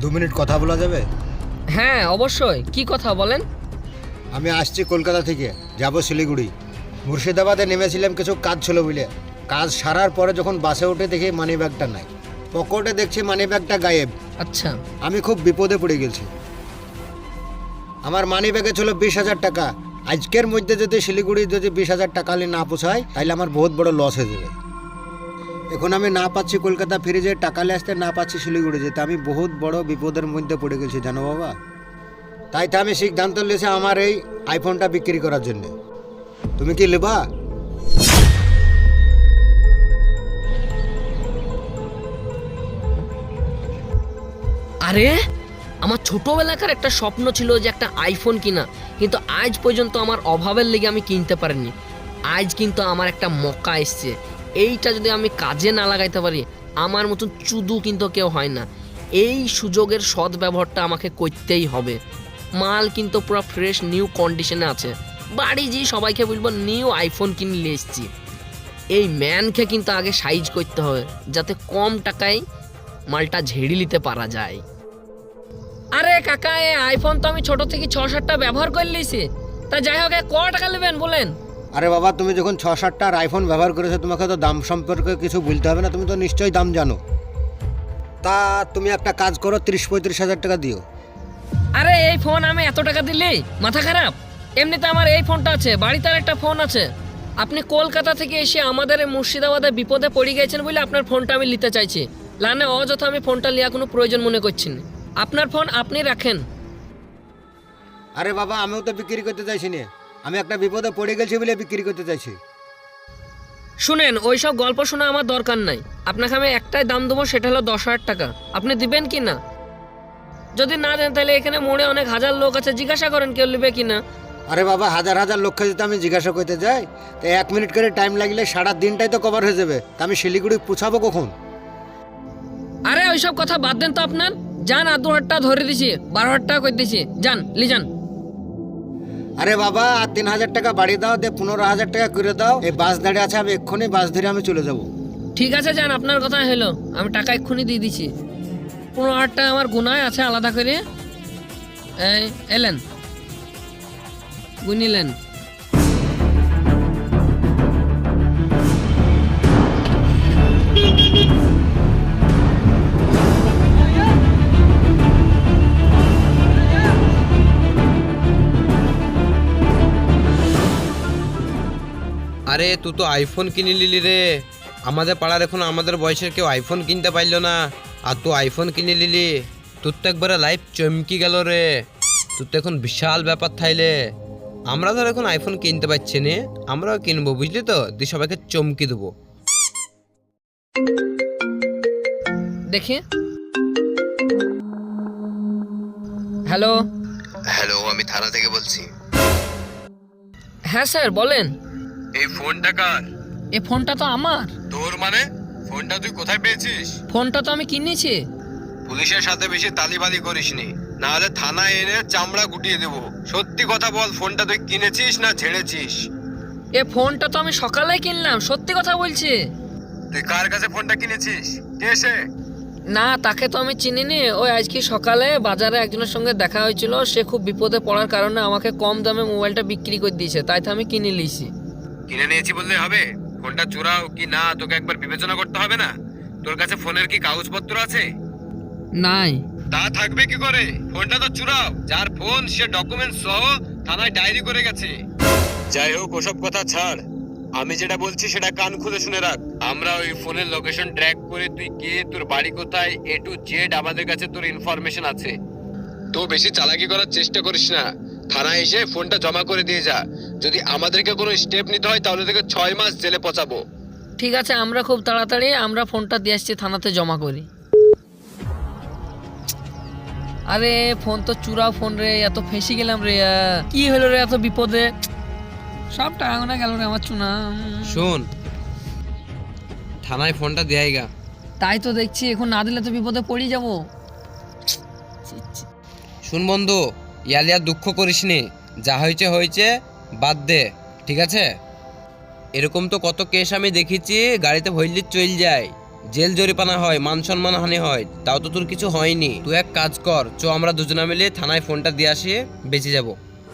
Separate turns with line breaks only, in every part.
Minute কথা বলা যাবে?
হ্যাঁ অবশ্যই, কি কথা বলেন।
আমি আসছি কলকাতা থেকে, যাব শিলিগুড়ি। মুর্শিদাবাদে নেমেছিলাম কিছু কাজ ছিল বলে। কাজ সারার পরে যখন বাসে উঠে দেখি মানি ব্যাগটা নাই, পকেটে দেখছি মানি ব্যাগটা গায়েব।
আচ্ছা,
আমি খুব বিপদে পড়ে গেছি। আমার মানি ব্যাগে ছিল 20,000 টাকা। আজকের মধ্যে যদি শিলিগুড়ি যদি 20,000 টাকা না পোষায় তাহলে আমার বহুত বড় লস হয়ে যাবে। এখন আমি না পাচ্ছি কলকাতা ফিরে যেয়ে টাকা নিয়ে আসতে, না পাচ্ছি শিলিগুড়ি যেতে। আমি বহুত বড় বিপদের মধ্যে পড়ে গেছি জানো বাবা। তাই তো আমি সিদ্ধান্ত নিয়েছি আমার এই আইফোনটা বিক্রি করার জন্য। তুমি কি নেবা?
আরে আমার ছোটবেলাকার একটা স্বপ্ন ছিল যে একটা আইফোন কিনা, কিন্তু আজ পর্যন্ত আমার অভাবের লেগে আমি কিনতে পারিনি। আজ কিন্তু আমার একটা মক্কা এসছে, এইটা যদি আমি কাজে না লাগাইতে পারি আমার মতন চুদু কিন্তু কেউ হয় না। এই সুযোগের সদ্ব্যবহারটা আমাকে করতেই হবে। মাল কিন্তু পুরো ফ্রেশ নিউ কন্ডিশনে আছে। বাড়ি যেয়ে সবাইকে বলবো নিউ আইফোন কিনে নিয়ে এসছি। এই ম্যানকে কিন্তু আগে সাইজ করতে হবে যাতে কম টাকায় মালটা ঝেড়ে নিতে পারা যায়। আরে কাকা, এই আইফোন তো আমি ছোট থেকে 6-7টা ব্যবহার করে লিছি। তা যাই হোক, ক টাকা নেবেন বলেন?
আরে বাবা, তুমি যখন 6-7টার আইফোন ব্যবহার করেছো তোমাকে তো দাম সম্পর্কে কিছু বলতে হবে না, তুমি তো নিশ্চয়ই দাম জানো। তা তুমি একটা কাজ করো, 30-35 হাজার টাকা দিও।
আরে এই ফোন আমি এত টাকা দিলি মাথা খারাপ? এমনিতে আমার এই ফোনটা আছে, বাড়িতে আর একটা ফোন আছে। আপনি কলকাতা থেকে এসে আমাদের এই মুর্শিদাবাদে বিপদে পড়ে গেছেন বলে আপনার ফোনটা আমি নিতে চাইছি। লানে অযথা আমি ফোনটা নেওয়া কোনো প্রয়োজন মনে করছি না। আপনার ফোন আপনি রাখেন।
আরে বাবা, আমিও তো বিক্রি করতে চাইছি না, আমি একটা বিপদে পড়ে গেছি বলে বিক্রি করতে চাইছি।
শুনেন, ওইসব গল্প শোনা আমার দরকার নাই। আপনাকে আমি একটাই দাম দেবো, সেটা হলো 10,000 টাকা। আপনি দিবেন কি না? যদি না দেন তাহলে এখানে মোড়ে অনেক হাজার লোক আছে, জিজ্ঞাসা করেন কেউ নেবে কি না।
আরে বাবা, হাজার হাজার লক্ষ যদি আমি জিজ্ঞাসা করতে যাই তো 1 মিনিট করে টাইম লাগলে সারা দিনটাই তো কভার হয়ে যাবে। তা আমি শিলিগুড়ি পৌঁছাবো কখন?
আরে ওইসব কথা বাদ দেন তো আপনার। যান, আর 2,000 টাকা ধরে দিছি, 12,000 টাকা করে দিছি। যান, লি যান।
আরে বাবা, আর 3,000 টাকা বাড়িয়ে দাও, দিয়ে 15,000 টাকা করে দাও। এই বাস দাঁড়িয়ে আছে, আমি এক্ষুনি বাস ধরে আমি চলে যাব।
ঠিক আছে যান, আপনার কথা হলো, আমি টাকা এক্ষুনি দিয়ে দিছি। 15,000 টাকা আমার গুনায় আছে আলাদা করে। এই এলেন, গুনিলেন।
আরে তুই তো আইফোন কিনে নিলি রে। আমাদের পাড়ার এখন আমাদের বয়সের কেউ আইফোন কিনতে পারলো না, আর তুই আইফোন কিনে নিলি। তোর তো একবারে লাইফ চমকি গেল রে। তোর তো এখন বিশাল ব্যাপার থাইলে। আমরা ধর এখন আইফোন কিনতে পারছি না, আমরাও কিনবো, বুঝলি তো? দিয়ে সবাইকে চমকি দেবো।
দেখি। হ্যালো।
হ্যালো, আমি থানা থেকে বলছি।
হ্যাঁ স্যার বলেন।
এই ফোনটা কার?
এই ফোনটা তো আমার।
তোর মানে? ফোনটা তুই কোথায় পেয়েছিস?
ফোনটা তো আমি কিনেছি।
পুলিশের সাথে বেশি তালিবালি করিসনি, না হলে থানায় এনে চামড়া গুটিয়ে দেবো। সত্যি কথা বল, ফোনটা তুই কিনেছিস না ঝেড়েছিস?
এ ফোনটা তো আমি সকালে কিনলাম, সত্যি কথা বলছি।
তুই কার কাছে ফোনটা কিনেছিস? কে সে?
না, তাকে তো আমি চিনিনি। ওই আজকে সকালে বাজারে একজনের সঙ্গে দেখা হয়েছিল, সে খুব বিপদে পড়ার কারণে আমাকে কম দামে মোবাইলটা বিক্রি করে দিয়েছে, তাই তো আমি কিনে নিয়েছি।
কিনে নিয়েছি বললে হবে? ফোনটা চোরাও কি না তোকে একবার বিবেচনা করতে হবে না? তোর কাছে ফোনের কি কাগজপত্র আছে?
নাই।
তা থাকবে কি করে? ফোনটা তো চুরাও। যার ফোন সে ডকুমেন্ট সহ থানায় ডায়েরি করে গেছে। যাই হোক, ওসব কথা ছাড়। আমি যেটা বলছি সেটা কান খুলে শুনে রাখ। আমরা ওই ফোনের লোকেশন ট্র্যাক করে তুই কে, তোর বাড়ি কোথায়, A to Z আমাদের কাছে তোর ইনফরমেশন আছে। তো বেশি চালাকি করার চেষ্টা করিস না। থানায় এসে ফোনটা জমা করে দিয়ে যা। যদি আমাদেরকে কোনো স্টেপ নিতে হয় তাহলে তোকে 6 মাস জেলে পচাবো।
ঠিক আছে, আমরা খুব তাড়াতাড়ি আমরা ফোনটা দিয়ে আসছি, থানাতে জমা করি। আরে ফোন তো চুরা ফোন রে, এত ফেঁসে গেলাম রে। কি হলো রে এত বিপদে? সব টাকা গোনা গেল রে আমার চুনা।
শোন, থানায় ফোনটা দেয় গা।
তাই তো দেখছি, এখন না দিলে তো বিপদে পড়ে যাবো।
শুন বন্ধু, ইয়ালিয়া দুঃখ করিস নি। যা হয়েছে হয়েছে, বাদ দে, ঠিক আছে? এরকম তো কত কেস আমি দেখেছি, গাড়িতে ভইলি চল যায়,
জেল জরিমানা হয়, মান সম্মান হানি হয়, তাও তো তোর কিছু হয়নি। তুই এক কাজ কর, আমরা দুজনে মিলে থানায় ফোনটা দিয়ে আসি, বেঁচে যাব।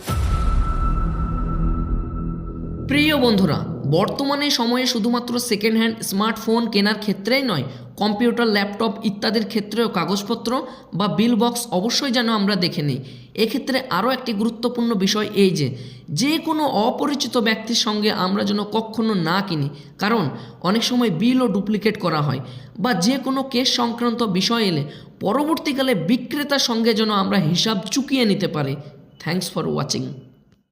প্রিয় বন্ধুরা, বর্তমানে সময়ে শুধুমাত্র সেকেন্ড হ্যান্ড স্মার্টফোন কেনার ক্ষেত্রেই নয়, কম্পিউটার, ল্যাপটপ ইত্যাদির ক্ষেত্রেও কাগজপত্র বা বিল বক্স অবশ্যই যেন আমরা দেখে নিই। এক্ষেত্রে আরও একটি গুরুত্বপূর্ণ বিষয় এই যে কোনো অপরিচিত ব্যক্তির সঙ্গে আমরা যেন কখনো না কিনি, কারণ অনেক সময় বিলও ডুপ্লিকেট করা হয়, বা যে কোনো কেস সংক্রান্ত বিষয় এলে পরবর্তীকালে বিক্রেতার সঙ্গে যেন আমরা হিসাব চুকিয়ে নিতে পারি। Thanks for watching.